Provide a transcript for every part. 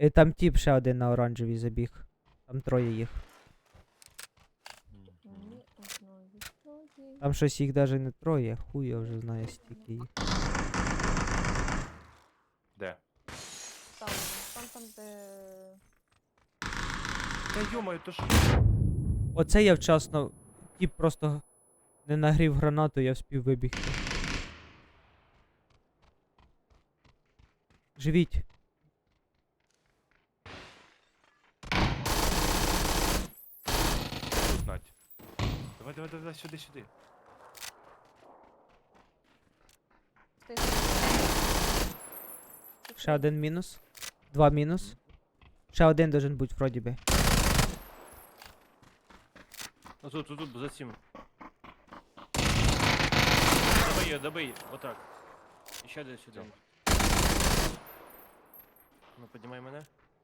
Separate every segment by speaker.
Speaker 1: І там тіп ще один на оранжевій забіг. Там троє їх.
Speaker 2: Ні, одно відсотки.
Speaker 1: Там щось їх навіть не троє. Хуй я вже знаю стільки їх.
Speaker 3: Де?
Speaker 2: Там, де...
Speaker 3: Та йомаю, то ж...
Speaker 1: Оце я вчасно. Тіп просто не нагрів гранату, я вспів вибігти. Живіть.
Speaker 3: Тут, Надь. Давай, сюди.
Speaker 2: Стоїть.
Speaker 1: Ще один мінус. Два мінус. Ще один должен бути вроді би.
Speaker 4: Ну тут, за цим. Добий, отак. І ще десь сюди. Ну, піднімай мене.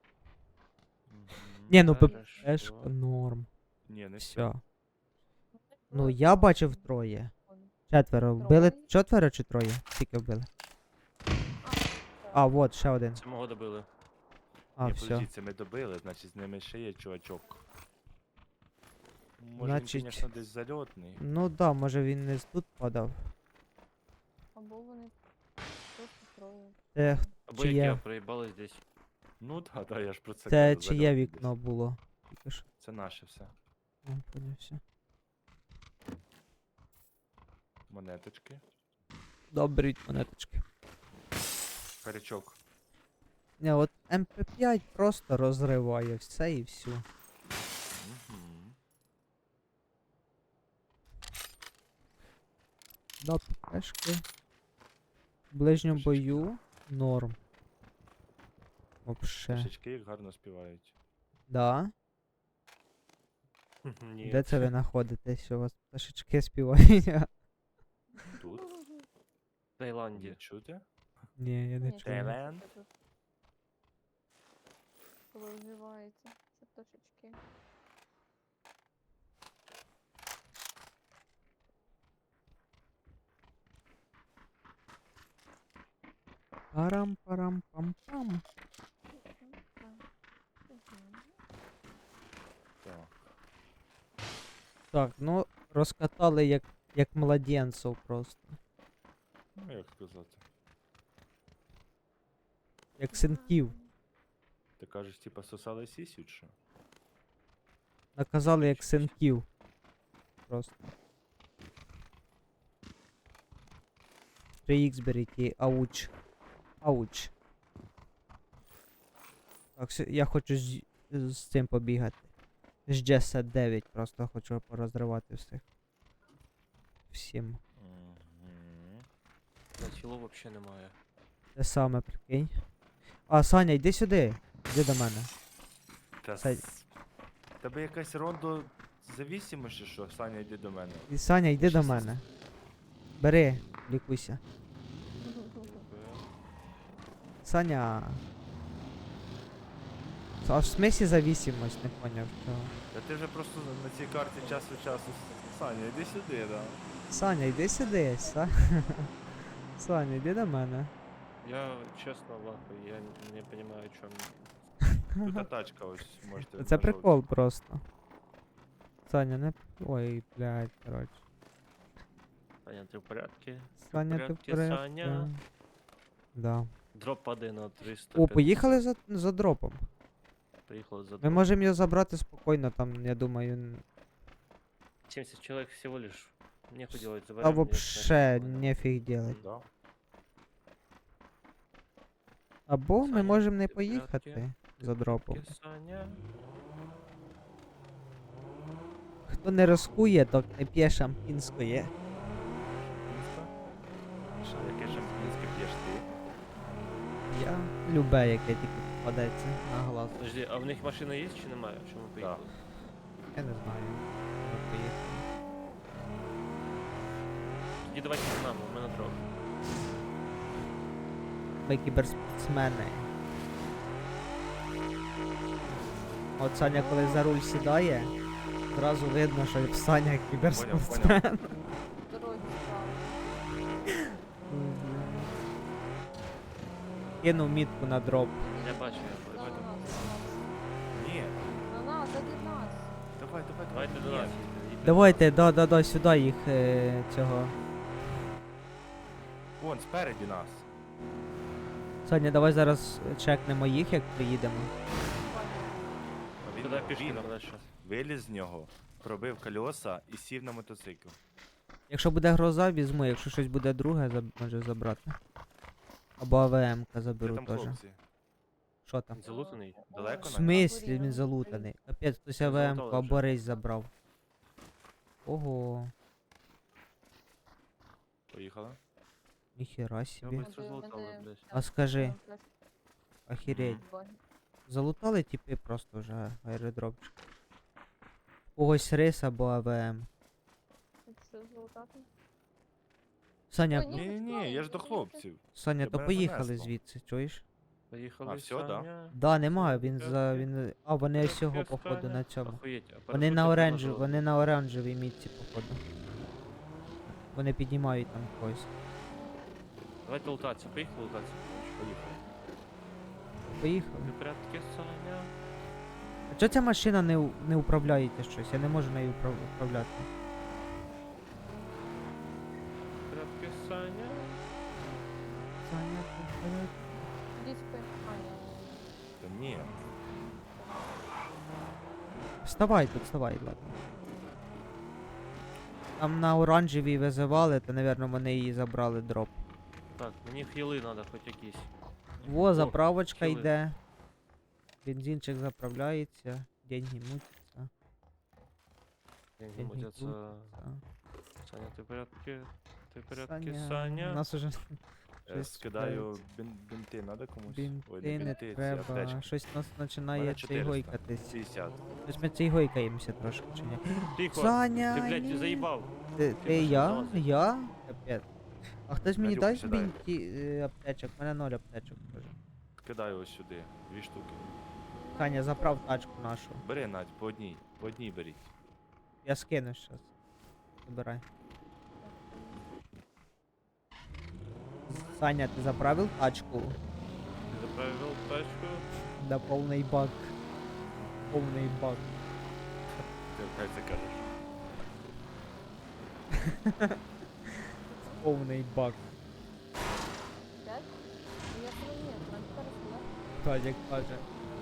Speaker 1: Ні, ну
Speaker 4: Хорошо.
Speaker 1: ППшка норм.
Speaker 3: Ні, не все.
Speaker 1: Все. Ну я бачив троє. Четверо. Вбили
Speaker 2: Троє?
Speaker 1: четверо чи троє? Скільки вбили? А, вот, ще один.
Speaker 4: Це мого добили.
Speaker 1: А,
Speaker 3: Ні,
Speaker 1: все.
Speaker 3: подождіть, це ми добили, значить з ними ще є чувачок. Може
Speaker 1: Значить-
Speaker 3: він, звісно, десь зальотний.
Speaker 1: Ну да, може він не з тут падав.
Speaker 2: Або вони просто троє.
Speaker 1: Це,
Speaker 4: Або
Speaker 1: Чиє?
Speaker 4: як я проїбались десь.
Speaker 3: Ну да, я ж про це
Speaker 1: це
Speaker 3: кажу,
Speaker 1: чиє
Speaker 3: зальотний
Speaker 1: вікно було? Тільки що.
Speaker 3: десь. Це наше все.
Speaker 1: О, поняв, все.
Speaker 3: Монеточки.
Speaker 1: Добрі монеточки.
Speaker 3: Харячок.
Speaker 1: Не, от МП5 просто розриває все і всю.
Speaker 3: Мгм.
Speaker 1: Да, ППшки. В ближньому
Speaker 3: Пушечки.
Speaker 1: бою норм. Вообще.
Speaker 3: Пташечки їх гарно співають.
Speaker 1: Да?
Speaker 4: Ні.
Speaker 1: Де це ви знаходитесь, що у вас пташечки співають?
Speaker 3: Тут?
Speaker 4: В Таїланді.
Speaker 3: Не чути?
Speaker 1: Ні, я не
Speaker 2: Ні,
Speaker 1: чую.
Speaker 3: Таїланд?
Speaker 2: це тут. Коли вживається, це пташечки.
Speaker 1: Парам-парам-пам-пам.
Speaker 3: Так.
Speaker 1: Так, ну розкатали як младенців просто.
Speaker 3: Ну як сказати.
Speaker 1: Як синків.
Speaker 3: Ти кажеш, типа сосали сісють, що?
Speaker 1: Наказали як синків. Просто. 3х беріть і ауч. Ауч. Так, я хочу з цим побігати. З G9 просто хочу порозривати всіх. Всім.
Speaker 3: Мгм.
Speaker 4: На тілу взагалі немає.
Speaker 1: Те саме, прикинь. А, Саня, йди сюди. Йди до мене.
Speaker 3: Та
Speaker 1: Сань.
Speaker 3: Тебе якась рондо завісимость чи що? Саня, йди до мене.
Speaker 1: І Саня, йди до мене. Бери, лікуйся. Саня. А в смислі зависимость, не поняв, що.
Speaker 3: Та ти вже просто на цій карті час від часу. Саня, йди сюди, да.
Speaker 1: Саня, йди сюди, Саня, йди до мене.
Speaker 4: Я чесно лахаю, я не розумію, чому.
Speaker 3: Тут та тачка ось можете.
Speaker 1: Це
Speaker 3: на
Speaker 1: прикол просто. Саня, не. Ой, блядь, коротше.
Speaker 4: Саня, ти в порядку?
Speaker 1: Саня, ти в
Speaker 4: порядку,
Speaker 1: порядку?
Speaker 4: Саня?
Speaker 1: Да.
Speaker 4: Дроп падає на 300.
Speaker 1: О, поїхали за дропом.
Speaker 4: Поїхали за
Speaker 1: Ми
Speaker 4: дроп.
Speaker 1: можемо його забрати спокійно, там, я думаю.
Speaker 4: 70 чоловік всього лиш. Нехуй делать,
Speaker 1: Та
Speaker 4: заберем.
Speaker 1: вообще нефіг делать.
Speaker 3: Да.
Speaker 1: Або ми
Speaker 4: Саня,
Speaker 1: можемо не
Speaker 4: ти в порядку?
Speaker 1: поїхати за дропом.
Speaker 4: Саня.
Speaker 1: Хто не розкує, то не п'є шампінської.
Speaker 3: Що, яке шампінське п'єш ти?
Speaker 1: Я любе, яке тільки попадеться на глаз.
Speaker 4: Подожди, а в них машина є чи немає? Чому поїхали?
Speaker 1: Я не знаю. Ми поїхали.
Speaker 4: Тоді давайте з нами, у мене дроп.
Speaker 1: Ми кіберспортсмени. От Саня, коли за руль сідає, зразу видно, що Саня кіберспортсмен.
Speaker 2: В дорозі стало.
Speaker 1: Кинув мітку на дроп.
Speaker 4: Я бачу, я
Speaker 2: Да,
Speaker 4: бачу.
Speaker 2: у нас
Speaker 3: Давай, давай,
Speaker 4: Давайте до
Speaker 3: Ні.
Speaker 4: нас. їдьте.
Speaker 1: Давайте, да, сюди їх цього.
Speaker 3: Вон, спереді нас.
Speaker 1: Саня, давай зараз чекнемо їх, як приїдемо.
Speaker 3: А Він,
Speaker 4: Туди пішки
Speaker 3: він
Speaker 4: нам дальше.
Speaker 3: виліз з нього, пробив кольоса і сів на мотоцикл.
Speaker 1: Якщо буде гроза, візьму, якщо щось буде друге, може забрати. Або АВМ-ка
Speaker 3: Де
Speaker 1: заберу
Speaker 3: там
Speaker 1: теж.
Speaker 3: хлопці?
Speaker 1: Що там?
Speaker 4: Він залутаний?
Speaker 3: Далеко
Speaker 1: В
Speaker 3: на
Speaker 1: смислі він
Speaker 2: Горіло.
Speaker 1: залутаний? Капець, хтось
Speaker 4: Ну,
Speaker 1: АВМ-ку
Speaker 4: залутали
Speaker 1: або
Speaker 4: вже.
Speaker 1: рейс забрав. Ого,
Speaker 3: Поїхала.
Speaker 1: ніхіра
Speaker 4: Його
Speaker 1: собі.
Speaker 4: быстро залутали, блядь.
Speaker 1: А скажи, охереть. Залутали типи просто вже аеродропчик. Когось рейс або АВМ.
Speaker 2: Що золотати?
Speaker 1: Саня,
Speaker 2: Ой, ні.
Speaker 3: Ні, я ж до хлопців.
Speaker 1: Саня,
Speaker 3: тебе
Speaker 1: то
Speaker 3: не
Speaker 1: поїхали
Speaker 3: занесло.
Speaker 1: звідси, чуєш?
Speaker 4: Поїхали,
Speaker 3: А, всьо, да?
Speaker 4: Саня.
Speaker 1: Да, немає, він
Speaker 4: Окей,
Speaker 1: за.
Speaker 4: окей.
Speaker 1: Він. А, вони
Speaker 4: Окей,
Speaker 1: всього
Speaker 4: окей,
Speaker 1: походу
Speaker 4: Саня.
Speaker 1: на цьому.
Speaker 4: Охуєть, а
Speaker 1: Вони
Speaker 4: перепутати
Speaker 1: на оранжевій,
Speaker 4: можливо.
Speaker 1: вони на оранжевій мітці, походу. Вони піднімають там когось.
Speaker 4: Давайте лутатися, поїхали лутатися.
Speaker 3: Поїхали.
Speaker 1: Поїхали.
Speaker 4: Ви порядки, Саня?
Speaker 1: А чого ця машина не управляєте щось? Я не можу нею управляти.
Speaker 4: Порядки, Саня?
Speaker 1: Саня, ти в порядку?
Speaker 2: Ідіть спи. А, ні.
Speaker 3: Та ні.
Speaker 1: Вставай тут, вставай, ладно. Там на оранжевій визивали, то, напевно, вони її забрали дроп.
Speaker 4: Так, мені хіли треба хоч якісь.
Speaker 1: Во,
Speaker 4: О,
Speaker 1: заправочка
Speaker 4: хіли.
Speaker 1: йде. Бензинчик заправляється, деньги мутяться.
Speaker 4: Деньги
Speaker 1: Деньги
Speaker 4: мутяться.
Speaker 1: мутяться.
Speaker 4: Саня, ти в порядки? Ти в порядки,
Speaker 1: У
Speaker 4: Саня?
Speaker 1: нас уже щось
Speaker 3: Скидаю бінти, надо комусь? Ой,
Speaker 1: бінти не
Speaker 3: ці
Speaker 1: треба.
Speaker 3: аптечки.
Speaker 1: Щось нас починає
Speaker 3: Мене
Speaker 1: цей
Speaker 3: 400.
Speaker 1: гойкатись.
Speaker 3: 50.
Speaker 1: Щось ми цей гойкаємося трошки, чи ні?
Speaker 4: Тихо!
Speaker 1: Саня,
Speaker 4: Ти, блядь,
Speaker 1: ні.
Speaker 4: заїбав!
Speaker 1: Ти
Speaker 4: пішов
Speaker 1: я?
Speaker 4: залазити.
Speaker 1: Я? Капець. А хтось мені
Speaker 3: Надюха
Speaker 1: дасть
Speaker 3: сідає.
Speaker 1: бінті аптечок? У мене 0 аптечок теж.
Speaker 3: Скидаю ось сюди. 2 штуки.
Speaker 1: Саня, заправ тачку нашу.
Speaker 3: Бери, Надь, по одній. По одній беріть.
Speaker 1: Я скину щас. Забирай. Саня, ти заправив тачку?
Speaker 4: Ти заправив тачку?
Speaker 1: Да повний бак. Повний бак.
Speaker 3: Ти хай це кажеш.
Speaker 1: Повний бак.
Speaker 2: П'ять? Ну, я тебе ні, нам тепер сюди.
Speaker 1: Так, як каже.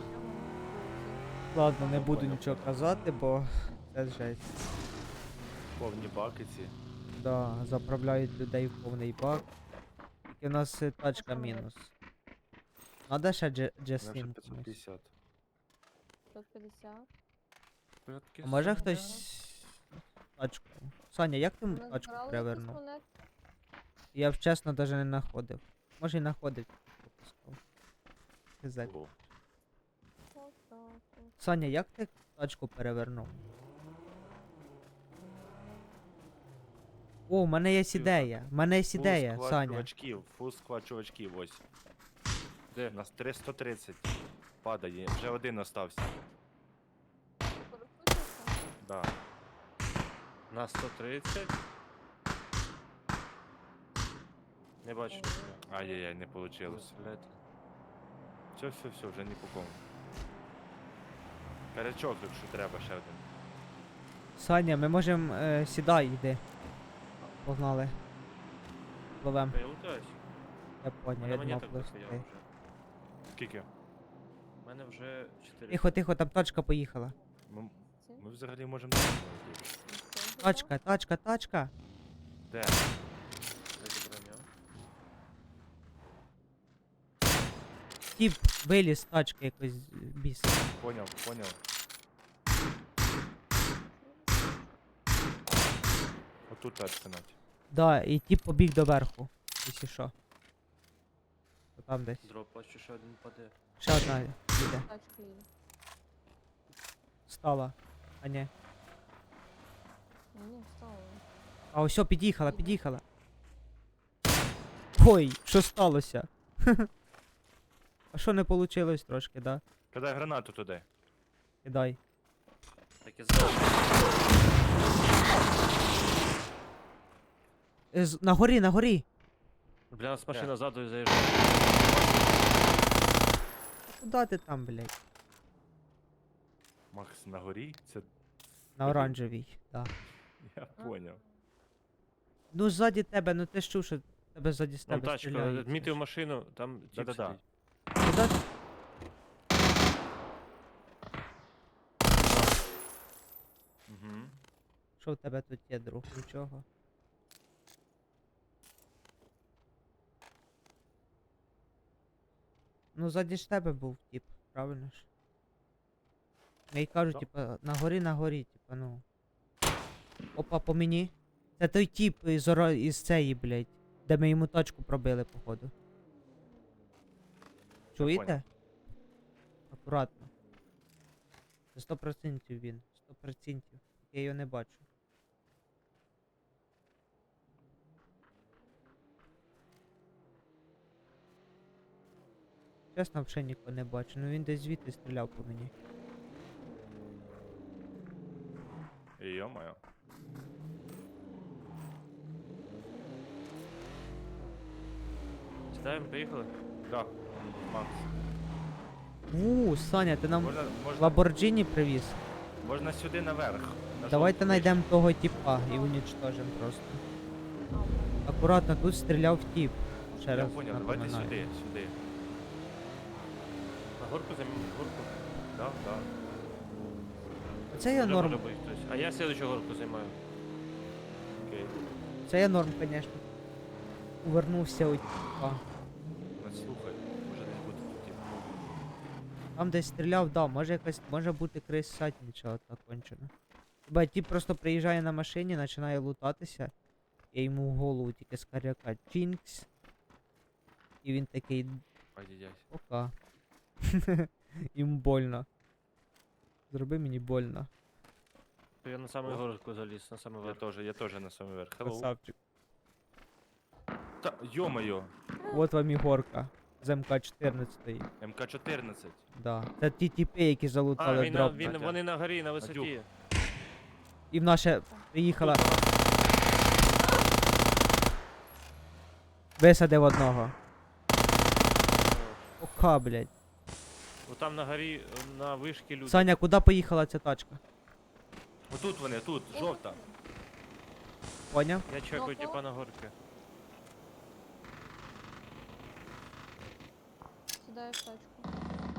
Speaker 1: Ладно, не буду
Speaker 3: Поняв,
Speaker 1: нічого
Speaker 3: поняв.
Speaker 1: казати, бо це жесть.
Speaker 3: Повні баки ці.
Speaker 1: Да, заправляють людей в повний бак. Тільки в нас тачка
Speaker 2: що ми?
Speaker 1: мінус. Надо ще
Speaker 3: У мене вже
Speaker 1: Джеслін комусь.
Speaker 3: 550.
Speaker 2: 550.
Speaker 4: Порядки,
Speaker 1: А може
Speaker 4: Саня?
Speaker 1: хтось тачку? Саня, як ти
Speaker 2: Ми
Speaker 1: тачку
Speaker 2: збирали якісь
Speaker 1: перевернув?
Speaker 2: монети?
Speaker 1: Я б чесно навіть не знаходив. Може і знаходив. пропускав. Хизак.
Speaker 3: О,
Speaker 2: Отак от.
Speaker 1: Саня, як ти тачку перевернув? О, в мене є ідея. В мене є ідея,
Speaker 3: фул склад
Speaker 1: Саня.
Speaker 3: чувачків, фул склад чувачків, ось.
Speaker 4: Де?
Speaker 3: У нас 330 падає, вже один остався.
Speaker 2: Перекрутився?
Speaker 3: Да.
Speaker 4: На 130. Не бачу.
Speaker 3: Ай-яй-яй, не вийшло.
Speaker 4: Блядь.
Speaker 3: Все, вже ні по кому. Карячок, якщо треба, ще один.
Speaker 1: Саня, ми можемо. Сідай, йди. Погнали. Пливем.
Speaker 4: Я лутаюсь.
Speaker 1: Я
Speaker 4: У
Speaker 1: поняв,
Speaker 4: мене
Speaker 1: я думав
Speaker 4: монеток
Speaker 1: пливти.
Speaker 4: дохуя вже.
Speaker 3: Скільки?
Speaker 4: У мене вже 4.
Speaker 1: Тихо, тихо, там тачка поїхала.
Speaker 3: Ми,
Speaker 2: Ці?
Speaker 3: ми взагалі можемо на ньому летіти.
Speaker 2: Це
Speaker 1: Тачка, тачка, тачка.
Speaker 3: Де?
Speaker 1: Тіп виліз з тачки якось біс.
Speaker 3: Поняв. Отут тачка, Надь.
Speaker 1: Да, і тіп побіг доверху. Якщо що. То там десь.
Speaker 4: Дроп, бачу, ще один паде.
Speaker 1: Ще одна їде.
Speaker 2: Тачка їде.
Speaker 1: Стала. А ні.
Speaker 2: Ні, встала.
Speaker 1: А ось під'їхала, під'їхала. Ой, що сталося? А що не вийшло трошки, да?
Speaker 3: Кидай гранату туди.
Speaker 1: Кидай.
Speaker 4: Так я знаю.
Speaker 1: На горі, на горі.
Speaker 4: Бля, нас машина ззаду заїжджає.
Speaker 1: Куда ти там, блядь?
Speaker 3: Макс на горі? Це
Speaker 1: На оранжевій, да.
Speaker 3: Я поняв.
Speaker 1: Ну, ззаді тебе, ну ти ж чув, що тебе ззаді з
Speaker 4: Там
Speaker 1: тебе
Speaker 4: тачка,
Speaker 1: стріляють.
Speaker 4: відмітив машину, там тіп
Speaker 3: Да-да-да.
Speaker 4: сидить.
Speaker 1: Куди?
Speaker 3: Угу.
Speaker 1: Що в тебе тут є, друг? Нічого. Ну, ззаді ж тебе був тип, правильно ж? Я й кажу,
Speaker 3: Да.
Speaker 1: типа, на горі, типа, ну. Опа, по мені. Це той тип із цієї, блядь, де ми йому тачку пробили, походу. Чуєте? Акуратно. Це 100% він. 100%. Я його не бачу. Чесно, взагалі нікого не бачу. Ну він десь звідти стріляв по мені.
Speaker 3: Йо-моє.
Speaker 4: Сідаємо, поїхали.
Speaker 3: Да. Макс.
Speaker 1: Саня, ти нам
Speaker 3: Можна
Speaker 1: Ламборджині привіз?
Speaker 3: сюди наверх. на
Speaker 1: Давайте
Speaker 3: жовту
Speaker 1: знайдемо того типа і унічтожимо просто. Акуратно, тут стріляв тип. Ще
Speaker 3: Я
Speaker 1: раз
Speaker 3: поняв, давайте
Speaker 1: напоминаю.
Speaker 3: сюди.
Speaker 4: На горку займемо, горку.
Speaker 3: Да, да.
Speaker 1: Це я
Speaker 4: Вже
Speaker 1: норм.
Speaker 4: може бути хтось. А я слідчу горку займаю.
Speaker 3: Окей.
Speaker 1: Це я норм, звісно. Увернувся у типа.
Speaker 3: Ну, слухай, може десь бути тут. тип.
Speaker 1: Там десь стріляв, да, може бути крис сатніча от кончено. Хіба тип просто приїжджає на машині, починає лутатися. Я йому в голову тільки з каряка Чінкс. І він такий,
Speaker 3: Ай-яй-яй.
Speaker 1: пока. Йому больно. Зроби мені больно.
Speaker 4: Я на саму горку заліз, на самий верх.
Speaker 3: Я теж на самий верх. Hello.
Speaker 1: Красавчик.
Speaker 3: Та, йо-моє.
Speaker 1: Вот вам і горка. З МК-14.
Speaker 3: МК-14.
Speaker 1: Да. Це ті тіпи, які
Speaker 4: А,
Speaker 1: залутали дроп.
Speaker 3: Надя.
Speaker 4: вони на горі, на висоті.
Speaker 1: І в наше приїхала. Висадив одного. Ока, блядь.
Speaker 4: Там на горі, на вишки люди.
Speaker 1: Саня, куди поїхала ця тачка?
Speaker 3: Отут вони, тут, жовта.
Speaker 1: Поняв?
Speaker 4: Я чекаю
Speaker 2: Ну,
Speaker 4: типа на горки.
Speaker 2: Сідаю в тачку.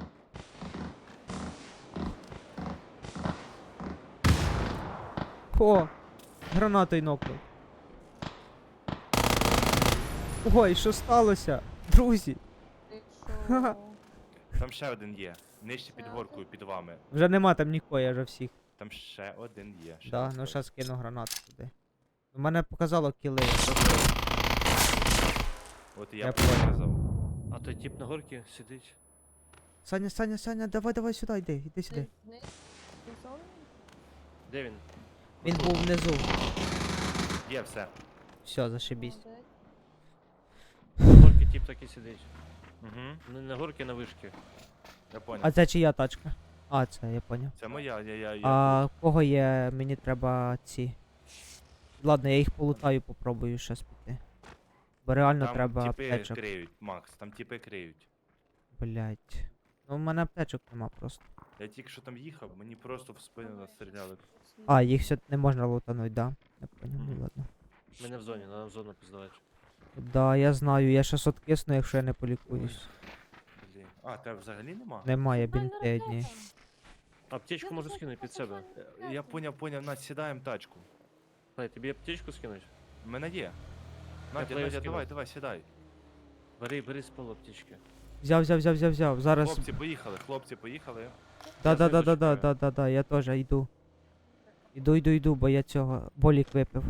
Speaker 1: О! Гранатою нокнув. Ой, що сталося? Друзі,
Speaker 2: Ти
Speaker 1: Ха-ха.
Speaker 2: що?
Speaker 3: Там ще один є. Нижче під горкою, під вами.
Speaker 1: вже нема там нікого, я вже всіх.
Speaker 3: Там ще один є. Ще
Speaker 1: Да,
Speaker 3: один
Speaker 1: ну
Speaker 3: стоїть.
Speaker 1: щас кину гранату туди. У мене показало кіли.
Speaker 3: От і
Speaker 1: Я
Speaker 3: я
Speaker 1: понял.
Speaker 3: показав.
Speaker 4: А той тип на горці сидить.
Speaker 1: Саня, давай сюди, іди сюди.
Speaker 2: Ти сон?
Speaker 4: Де він?
Speaker 1: Він був внизу.
Speaker 3: Є все.
Speaker 1: Все, зашибісь.
Speaker 2: Молодець.
Speaker 4: На горці тип так і сидить.
Speaker 3: Угу.
Speaker 4: Не на горці, на вишки.
Speaker 3: Я понял.
Speaker 1: А це чия тачка? А, це, я поняв.
Speaker 3: Це моя, я.
Speaker 1: А в кого є, мені треба ці. Ладно, я їх полутаю, попробую щас піти. Бо реально
Speaker 3: Там
Speaker 1: треба
Speaker 3: тіпи
Speaker 1: аптечок.
Speaker 3: криють, Макс, там тіпи криють.
Speaker 1: Блять. Ну в мене аптечок нема просто.
Speaker 3: Я тільки що там їхав, мені просто в спину настріляли.
Speaker 1: А, їх все не можна лутануть, да? Я поняв, ну
Speaker 3: Мгм.
Speaker 1: ладно.
Speaker 4: Ми не в зоні, нам в зону піздавати.
Speaker 1: Да, я знаю, я щас откисну, якщо я не полікуюсь.
Speaker 3: Блін. А, тебе взагалі нема?
Speaker 1: Немає
Speaker 2: Нормальна
Speaker 1: бінти одні.
Speaker 2: ракета.
Speaker 4: Аптечку
Speaker 2: Я
Speaker 4: можу
Speaker 2: не
Speaker 4: скинути під себе.
Speaker 3: Я поняв, Надь, сідаємо тачку.
Speaker 4: Дай, тобі аптечку скинуть?
Speaker 3: У мене є.
Speaker 4: плеєр
Speaker 3: Надя,
Speaker 4: скинув.
Speaker 3: давай, сідай.
Speaker 4: Бери з полу аптечки.
Speaker 1: Взяв. Зараз.
Speaker 3: Хлопці, поїхали.
Speaker 1: Да, я теж йду. Йду, бо я цього болік випив.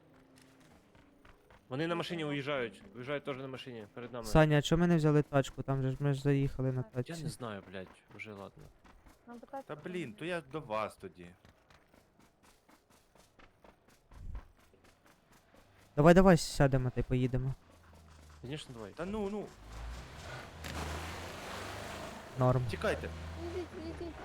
Speaker 4: Вони на машині уїжджають. Уїжджають теж на машині, перед нами.
Speaker 1: Саня, а чому ми не взяли тачку? Там же ж ми ж заїхали на
Speaker 4: Я
Speaker 1: тачці.
Speaker 4: не знаю, блядь, вже ладно.
Speaker 2: Нам питати
Speaker 3: Та
Speaker 2: треба.
Speaker 3: блін, то я до вас тоді.
Speaker 1: Давай сядемо та й поїдемо.
Speaker 4: Звісно, давай.
Speaker 3: Та ну,
Speaker 1: Норм.
Speaker 3: тікайте.
Speaker 2: Ідіть.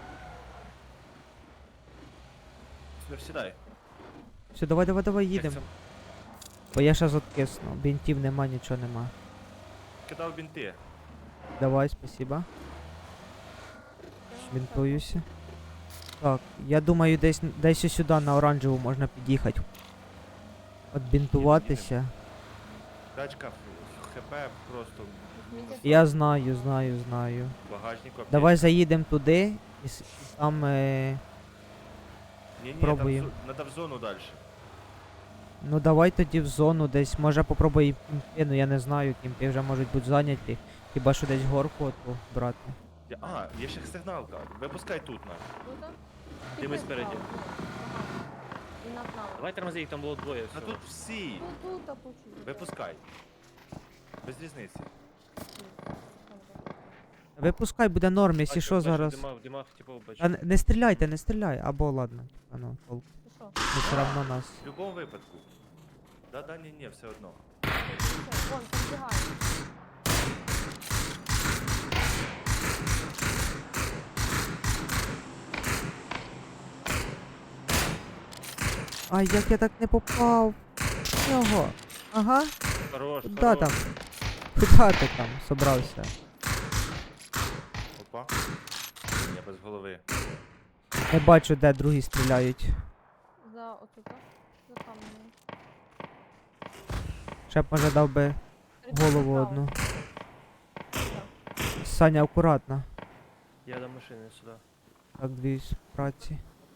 Speaker 3: Сідай.
Speaker 1: Все, давай
Speaker 3: Як
Speaker 1: їдемо.
Speaker 3: це?
Speaker 1: Бо я щас откисну. Бінтів нема, нічого нема.
Speaker 3: Кидав бінти.
Speaker 1: Давай, спасибо. Бінтуюся. Так, я думаю, десь ось сюди на оранжеву можна під'їхати. Отбінтуватися.
Speaker 3: Тачка ХП просто
Speaker 2: Візьміть
Speaker 1: Я знаю.
Speaker 3: в багажнику.
Speaker 1: Давай заїдемо туди і там.
Speaker 3: Ні,
Speaker 1: пробуємо.
Speaker 3: там надо в зону далі.
Speaker 1: Ну давай тоді в зону десь. Може попробуй кімпи, ну я не знаю, кімпи вже можуть бути зайняті. Хіба що десь горку оту брати.
Speaker 3: А, є ще сигналка. Випускай тут на.
Speaker 2: Тут?
Speaker 4: Ти ми спереді.
Speaker 2: І над нами.
Speaker 4: Давай тормози, їх там було двоє.
Speaker 3: А
Speaker 4: всього.
Speaker 3: тут всі.
Speaker 2: Ну тут почули.
Speaker 3: Випускай. Без різниці.
Speaker 1: Випускай, буде норм, якщо
Speaker 4: Бачу,
Speaker 1: що
Speaker 4: бачу,
Speaker 1: зараз.
Speaker 4: В димах, типу, бачу.
Speaker 1: Та не стріляйте, не стріляй. Або ладно. А ну, толку.
Speaker 2: Ти що?
Speaker 1: Ну все равно нас.
Speaker 3: В будь-якому випадку. Да, ні, все одно.
Speaker 2: Вон, підбігає.
Speaker 1: Ай, як я так не попав. Його. Ага.
Speaker 4: Хорош,
Speaker 1: Куда
Speaker 4: хорош.
Speaker 1: там? Куда ти там собрався?
Speaker 3: Опа. Я без голови.
Speaker 1: Не бачу, де другі стріляють.
Speaker 2: За отут. За каменем.
Speaker 1: Ще б може дав би голову
Speaker 2: Справа.
Speaker 1: одну.
Speaker 2: Так,
Speaker 1: Саня, акуратно.
Speaker 4: Я до машини сюди.
Speaker 1: Так, дві праці.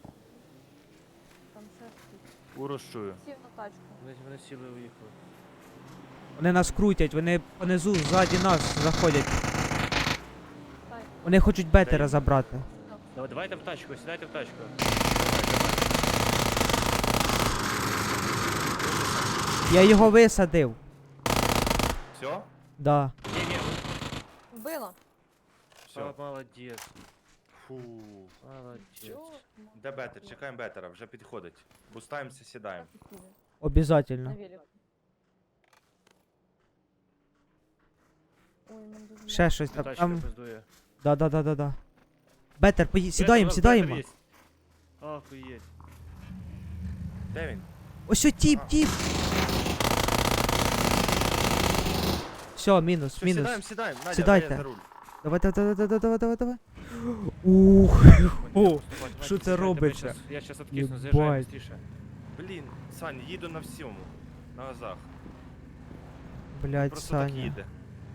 Speaker 2: там ще хтось.
Speaker 3: Урос чую.
Speaker 2: Сів на тачку.
Speaker 4: Вони сіли і уїхали.
Speaker 1: Вони нас крутять, вони понизу, ззаді нас заходять.
Speaker 2: Стай.
Speaker 1: Вони хочуть бетера
Speaker 3: Дай.
Speaker 1: забрати.
Speaker 4: Давайте в тачку, сідайте в тачку.
Speaker 1: Я його висадив.
Speaker 3: Все?
Speaker 1: Да.
Speaker 4: Ні,
Speaker 2: Вбила.
Speaker 3: Все.
Speaker 4: молодець.
Speaker 3: Фу.
Speaker 4: Молодець.
Speaker 2: Чого?
Speaker 3: Де бетер? Чекаємо бетера, вже підходить. Бустаємося, сідаємо.
Speaker 1: Обязательно.
Speaker 2: На велику. Ой, мен дуже
Speaker 1: Ще щось там.
Speaker 4: Тачка
Speaker 1: Там.
Speaker 4: пиздує.
Speaker 1: Да. Бетер, сідаємо, сідаємо.
Speaker 4: Охуєть.
Speaker 3: Де він?
Speaker 1: Ось о, тіп. Все, мінус,
Speaker 3: Все,
Speaker 1: мінус.
Speaker 3: сідаємо. Надя,
Speaker 1: Сідайте.
Speaker 3: дай я за руль.
Speaker 1: Давай. Ух. О, що це робиться?
Speaker 4: Я щас откисну,
Speaker 1: Єбать.
Speaker 4: заїжджаю быстріше.
Speaker 3: Блін, Сань, їду на всьому. На газах.
Speaker 1: Блять,
Speaker 3: Просто так
Speaker 1: Саня.
Speaker 3: їде.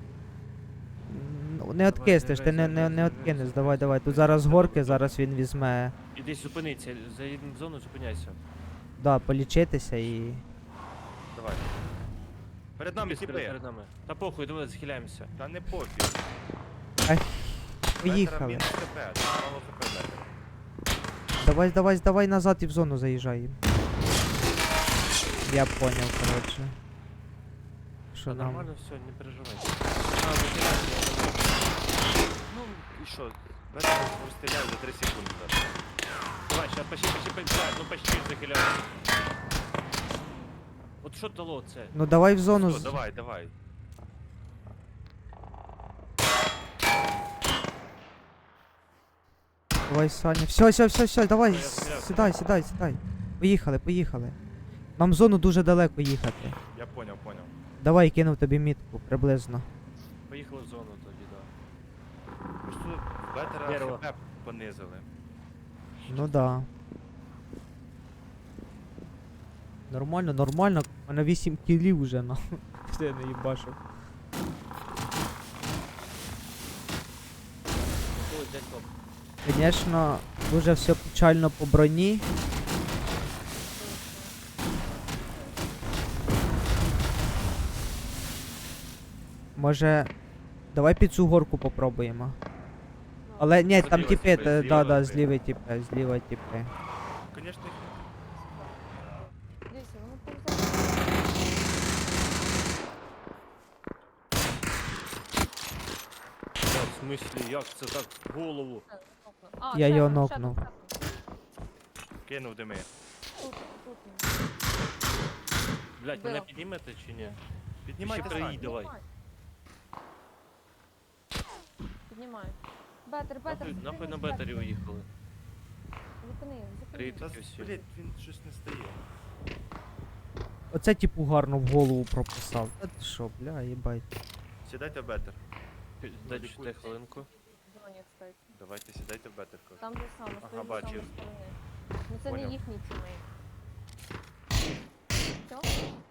Speaker 1: Ну, не откиснеш, ти не
Speaker 4: заїжджай,
Speaker 1: откинеш.
Speaker 4: заїжджай.
Speaker 1: Давай. Тут зараз горки, зараз він візьме.
Speaker 4: І десь зупиниться, заїдемо в зону, зупиняйся.
Speaker 1: Да, полічитися і.
Speaker 3: Давай. Перед нами
Speaker 4: Десь
Speaker 3: тіпи.
Speaker 4: перед нами. Та похуй, давай захиляємося.
Speaker 3: Та не пофіг.
Speaker 1: Поїхали.
Speaker 3: Мінус ХП, мало ХП бетера.
Speaker 1: Давай назад і в зону заїжджаємо. Я поняв, коротше. Що
Speaker 4: Та
Speaker 1: нам.
Speaker 4: нормально все, не переживай. А, захиляйся.
Speaker 3: Ну, і що? Бетер розстріляю за 3 секунди.
Speaker 4: Давай, сейчас почти, блядь, ну почти захиляйся. От що дало це?
Speaker 1: Ну давай в зону.
Speaker 3: Все, давай.
Speaker 1: Давай, Саня. Все, давай,
Speaker 4: Я стріляв.
Speaker 1: сідай. Поїхали. Нам в зону дуже далеко їхати.
Speaker 3: Я поняв.
Speaker 1: Давай кинув тобі мітку приблизно.
Speaker 4: Поїхали в зону тоді, да.
Speaker 3: Просто бетера
Speaker 4: Дерево.
Speaker 3: ХП понизили.
Speaker 1: Ну да. Нормально. У мене 8 кілів вже, на. Що я не їбашу.
Speaker 4: Ой, дядь топ.
Speaker 1: Звісно, дуже все печально по броні. Може, давай під цю горку попробуємо. Але ні, там
Speaker 4: Зліва
Speaker 1: тіпи,
Speaker 4: тіпи,
Speaker 1: да,
Speaker 4: зліва
Speaker 1: зліва тіпи.
Speaker 3: Конечно, їх
Speaker 2: Дивіться, вони повзали.
Speaker 4: Та, в смислі, як це так в голову?
Speaker 2: А,
Speaker 1: Я
Speaker 2: ще
Speaker 1: його
Speaker 2: один, ще
Speaker 1: нокнув.
Speaker 2: один, ще один.
Speaker 3: кинув дими.
Speaker 2: Тут.
Speaker 4: Блять, мене
Speaker 2: Було.
Speaker 4: піднімете чи ні?
Speaker 3: Піднімайте
Speaker 4: Ще
Speaker 3: Сань.
Speaker 4: приїдь. Давай.
Speaker 2: Піднімай. Бетер.
Speaker 4: Нахуй на бетері уїхали.
Speaker 2: Зупини.
Speaker 4: Привіт.
Speaker 3: Та,
Speaker 4: Таке всі.
Speaker 3: блядь, він щось не стає.
Speaker 1: Оце типу гарно в голову прописав. Та ти що, бля, їбать.
Speaker 3: Сідайте в бетер.
Speaker 4: Дайте хвилинку.
Speaker 2: Дзвонять. кстати.
Speaker 3: Давайте сідайте в бетерку.
Speaker 2: Там же саме, з
Speaker 3: Ага,
Speaker 2: тої же
Speaker 3: бачив.
Speaker 2: самої сторони. Ну це
Speaker 3: Поняв.
Speaker 2: не їхній тімейт. Все?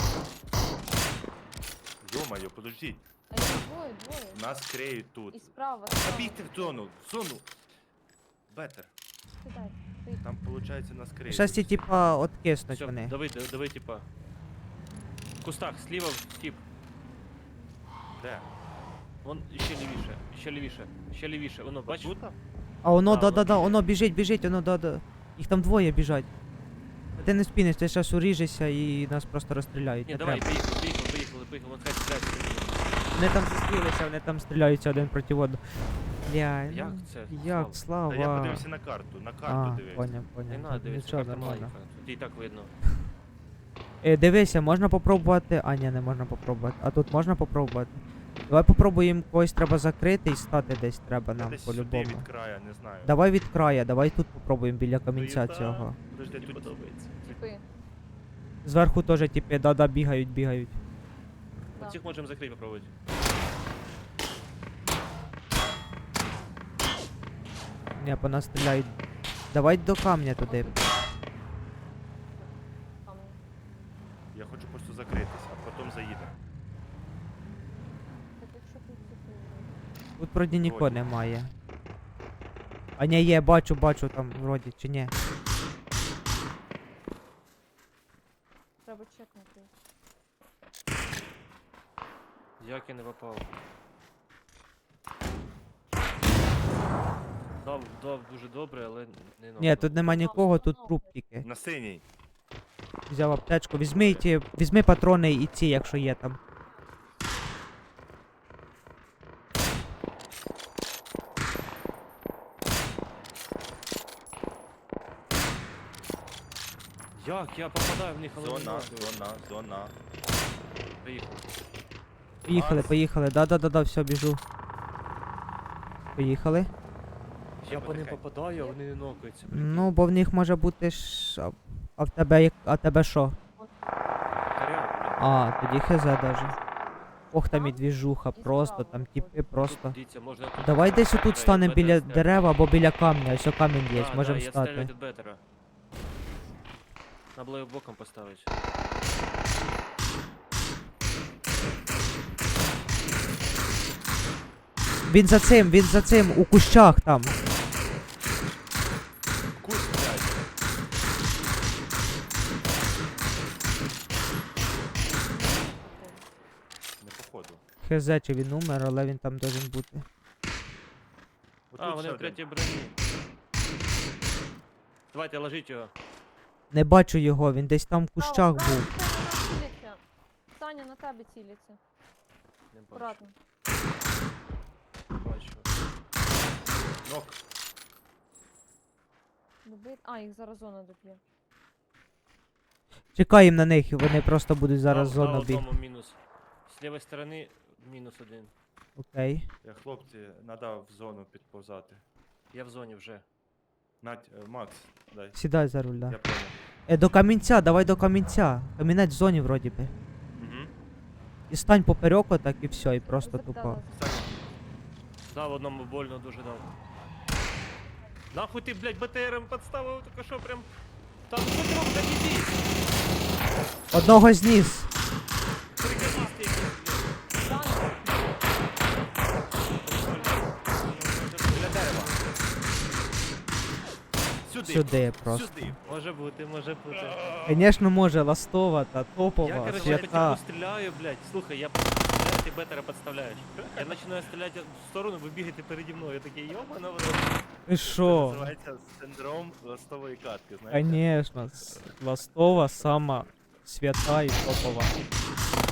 Speaker 3: Йо-моє, подождіть.
Speaker 2: А їх двоє.
Speaker 3: Нас криють тут.
Speaker 2: І справа.
Speaker 3: Забігти в зону, в зону. Бетер.
Speaker 2: Кидайте. Поїхали.
Speaker 3: Там, виходить, нас криють.
Speaker 1: Щас ці типа откиснуть
Speaker 4: Все,
Speaker 1: вони.
Speaker 4: давай, типа. В кустах, сліва тип.
Speaker 3: Де?
Speaker 4: Вон ще лівіше. Воно, бачиш?
Speaker 3: Тут?
Speaker 1: А воно,
Speaker 4: Да,
Speaker 1: да-да-да,
Speaker 4: воно
Speaker 1: воно біжить, воно, да-да. Їх там двоє біжать. А ти не спіниш, ти зараз уріжешся і нас просто розстріляють.
Speaker 4: Ні,
Speaker 1: Не
Speaker 4: давай,
Speaker 1: треба.
Speaker 4: поїхали. Вон хай стріляють.
Speaker 1: Вони там зустрілися, вони там стріляються один проти одного. Бля,
Speaker 4: Як
Speaker 1: ну,
Speaker 4: це?
Speaker 1: як,
Speaker 3: Та
Speaker 1: Слава.
Speaker 3: я подивився на карту, на
Speaker 1: А,
Speaker 3: карту дивився.
Speaker 1: поняв.
Speaker 4: Не надо дивитися,
Speaker 1: Нічого,
Speaker 4: карта
Speaker 1: нормально.
Speaker 4: маленька. Тут і так видно.
Speaker 1: Дивися, можна попробувати. А, ні, не можна попробувати. А тут можна попробувати. Давай попробуємо, когось треба закрити і стати десь треба
Speaker 3: Я
Speaker 1: нам
Speaker 3: десь сюди
Speaker 1: по-любому.
Speaker 3: від краю, не знаю.
Speaker 1: Давай від края, давай тут попробуємо біля камінця
Speaker 4: Та,
Speaker 1: цього.
Speaker 3: Подожди,
Speaker 4: Мені
Speaker 3: тут
Speaker 4: подобається.
Speaker 2: Типи.
Speaker 1: Зверху теж типи, да-да, бігають.
Speaker 2: Да.
Speaker 4: Цих можемо закрити попробувати.
Speaker 1: Ні, по нас стріляють. Давай до камня туди.
Speaker 2: Камінь.
Speaker 3: я хочу просто закритися, а потім заїдемо.
Speaker 2: Так якщо тут типи.
Speaker 1: Тут вроді нікого
Speaker 3: Вроді.
Speaker 1: немає. А ні, є, бачу там вроді, чи ні.
Speaker 2: Треба чекнути.
Speaker 4: Як я не попав? Дав дуже добре, але не
Speaker 1: Ні, тут нема нікого, тут труп тільки.
Speaker 3: На синій.
Speaker 1: Взяв аптечку. Візьми патрони і ці, якщо є там.
Speaker 4: Як? Я попадаю в них, але не
Speaker 3: Зона,
Speaker 4: можу.
Speaker 3: зона.
Speaker 4: Поїхали.
Speaker 1: Поїхали. Да, все, біжу. Поїхали.
Speaker 4: Я по ним
Speaker 3: потихеньку.
Speaker 4: попадаю, а вони не нокаються.
Speaker 1: Ну, бо в них може бути ж. А в тебе а тебе що?
Speaker 4: Коряво,
Speaker 1: А, тоді хз даже. Ох, там і двіжуха,
Speaker 2: І
Speaker 1: просто,
Speaker 2: справа
Speaker 1: там
Speaker 2: виходить.
Speaker 1: типи просто.
Speaker 4: Дивіться, можна тут.
Speaker 1: Давай десь отут
Speaker 4: Бетер
Speaker 1: станемо біля
Speaker 4: стріляти.
Speaker 1: дерева або біля камня, ось о камінь є,
Speaker 4: Да,
Speaker 1: можемо
Speaker 4: я стріляю
Speaker 1: стати.
Speaker 4: від бетера. Надо було його боком поставити.
Speaker 1: Він за цим, у кущах там.
Speaker 3: Куст, блядь. Не походу.
Speaker 1: Хз, чи він умер, але він там должен бути.
Speaker 3: Отут
Speaker 4: А, вони
Speaker 3: ще
Speaker 4: в
Speaker 3: один.
Speaker 4: третій броні. Давайте, ложіть його.
Speaker 1: Не бачу його, він десь там в
Speaker 2: Право,
Speaker 1: кущах
Speaker 2: право,
Speaker 1: був.
Speaker 2: Саня, на нас ціляться. Саня, на тебе ціляться.
Speaker 4: Не бачу.
Speaker 2: Акуратно.
Speaker 4: Бачу.
Speaker 3: Нок.
Speaker 2: Добить. А, їх зараз зона доб'є.
Speaker 1: Чекаємо на них, і вони просто будуть зараз
Speaker 4: Дав
Speaker 1: зону біг.
Speaker 4: одному мінус. З лівої сторони мінус один.
Speaker 1: Окей.
Speaker 3: Хлопці, треба в зону підповзати.
Speaker 4: Я в зоні вже.
Speaker 3: Макс, дай.
Speaker 1: Сідай за руль, да.
Speaker 3: Я понял.
Speaker 1: До камінця, давай до камінця. Камінець в зоні вроді би.
Speaker 3: Угу.
Speaker 1: І стань поперек отак і все, і просто тупо.
Speaker 2: Запитала.
Speaker 4: Дав одному больно дуже дав. Нахуй ти, блядь, БТРом підставив, тільки що прям. Там що блядь, іди!
Speaker 1: Одного зніс.
Speaker 4: Приколісти якісь, блядь.
Speaker 2: Саня,
Speaker 3: Біля дерева.
Speaker 1: Сюди просто.
Speaker 3: Сюди.
Speaker 4: Може бути, може бути.
Speaker 1: Звісно, може, ластова та
Speaker 4: Я,
Speaker 1: топова,
Speaker 4: короче, по
Speaker 1: свята.
Speaker 4: типу стріляю, блядь. Слухай, я ти бетера підставляєш. Я починаю стріляти в сторону, ви бігаєте переді мною. Я такий, йобана, воно.
Speaker 1: Ти
Speaker 3: Це
Speaker 1: що?
Speaker 3: називається синдром ластової катки, знаєте?
Speaker 1: Конечно, ластова сама свята і топова.